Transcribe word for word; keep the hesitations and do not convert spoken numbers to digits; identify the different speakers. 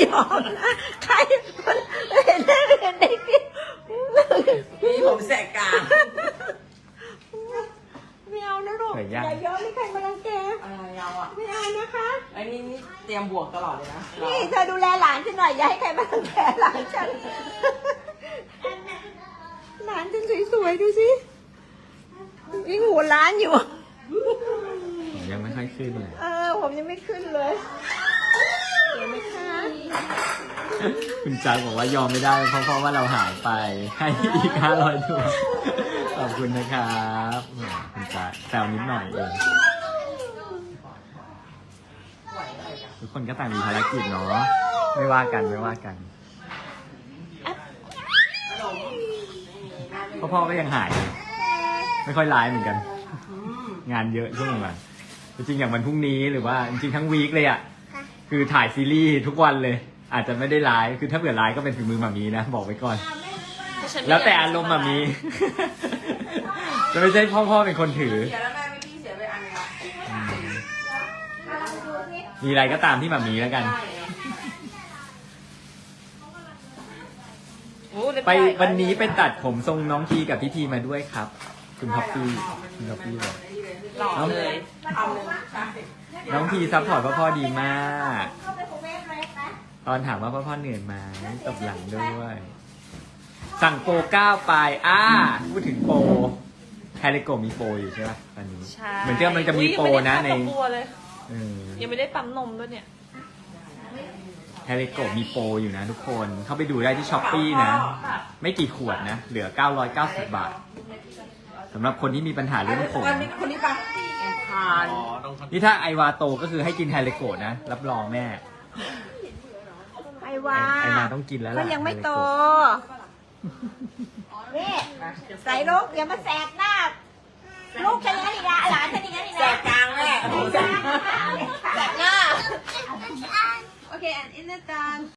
Speaker 1: หอมนะใครเห็นได้เห็นได้กิน
Speaker 2: มีผมแสกกลาง
Speaker 1: ไม่เอานะลูกอย่าย้อมให้ใครมารังแก
Speaker 2: อะไรเราอ่ะ
Speaker 1: ไม่เอานะคะ
Speaker 2: ไอ้นี่นี่เตรียมบวกตลอดเลยนะ
Speaker 1: นี่เธอดูแลหลานฉันหน่อยอย่าให้ใครมารังแกหลานฉันหลานฉันสวยๆดูสิยิ่งหัวล้านอยู่
Speaker 3: ผมยังไม่ค่อยขึ้นเลย
Speaker 1: เออผมยังไม่ขึ้นเลยเห็นไหมคะ
Speaker 3: คุณจักรบอกว่ายอมไม่ได้เพราะเพราะว่าเราหายไปให้อีกห้าร้อยดวงขอบคุณนะครับแหมคุณจักรแซวนิดหน่อยเองทุกคนก็ต่างมีภารกิจเนาะไม่ว่ากันไม่ว่ากันพ่อพ่อก็ยังหายอยู่ไม่ค่อยไลฟ์เหมือนกัน งานเยอะช่วงหลังจริงๆอย่างวันพรุ่งนี้หรือว่าจริงๆทั้งวีคเลยอ่ะคือถ่ายซีรีส์ทุกวันเลย อาจจะไม่ได้ไลฟ์คือถ้าเผื่อไลฟ์ก็เป็นฝีมือหมามีนะบอกไว้ก่อน แล้วแต่อารมณ์หมามี จะไม่ใช่พ่อพ่อเป็นคนถือ
Speaker 2: เสียแล้วแม่ไม่พี่เสียไปอันนึงละ
Speaker 3: มีอะไรก็ตามที่หมามีแล้วกัน ไปวันนี้ไปตัดผมทรงน้องทีกับพี่ทีมาด้วยครับ คุณพ็อปปี้คุณพ็อปปี้บอก
Speaker 2: หล่อเลยทำเลยใช่
Speaker 3: น้องทีซัพพอร์ตพ่อพ่อดีมาก ตอนถามว่าพ่อพ่อเหนื่อยไหมตบหลังด้วย สั่งโปรเก้าไปอ่าพูดถึงโปรแฮริโกมีโปรอยู่ใช่ไหมตอนนี้
Speaker 4: ใช่
Speaker 3: เหมือนที่มันจะมีโปรนะใน
Speaker 4: อุ๊ยยังไม่ได้เข้าตัวเลย
Speaker 3: เออ
Speaker 4: ยังไม่ได้ปั๊มนมด้วยเนี่ย
Speaker 3: แฮริโกมีโปรอยู่นะทุกคนเข้าไปดูได้ที่ช้อปปี้นะ ไม่กี่ขวดนะ เหลือเก้าร้อยเก้าสิบบาทสำหรับคนที่มีปัญหาเรื่องผม
Speaker 2: คนนี้คนนี้ปะทาน
Speaker 3: นี่ถ้าไอวาโตก็คือให้กินแฮริโกนะ รับรองแน่
Speaker 1: ไอ้ว่า
Speaker 3: ไอมาต้องกินแล้ว
Speaker 1: ก็
Speaker 3: ล่ะ
Speaker 1: ยังไม่โต
Speaker 3: แฮริโก
Speaker 1: นี่ใส่ลูกอย่ามาแสกหน้า ลูกฉันอย่างนั้นอีกนะหลานฉันอย่างนั้นอีก
Speaker 2: แส
Speaker 1: นะ
Speaker 2: กกลางแม่
Speaker 1: แสกหน้า
Speaker 2: แสกหน้า
Speaker 1: Okay, and in the dance.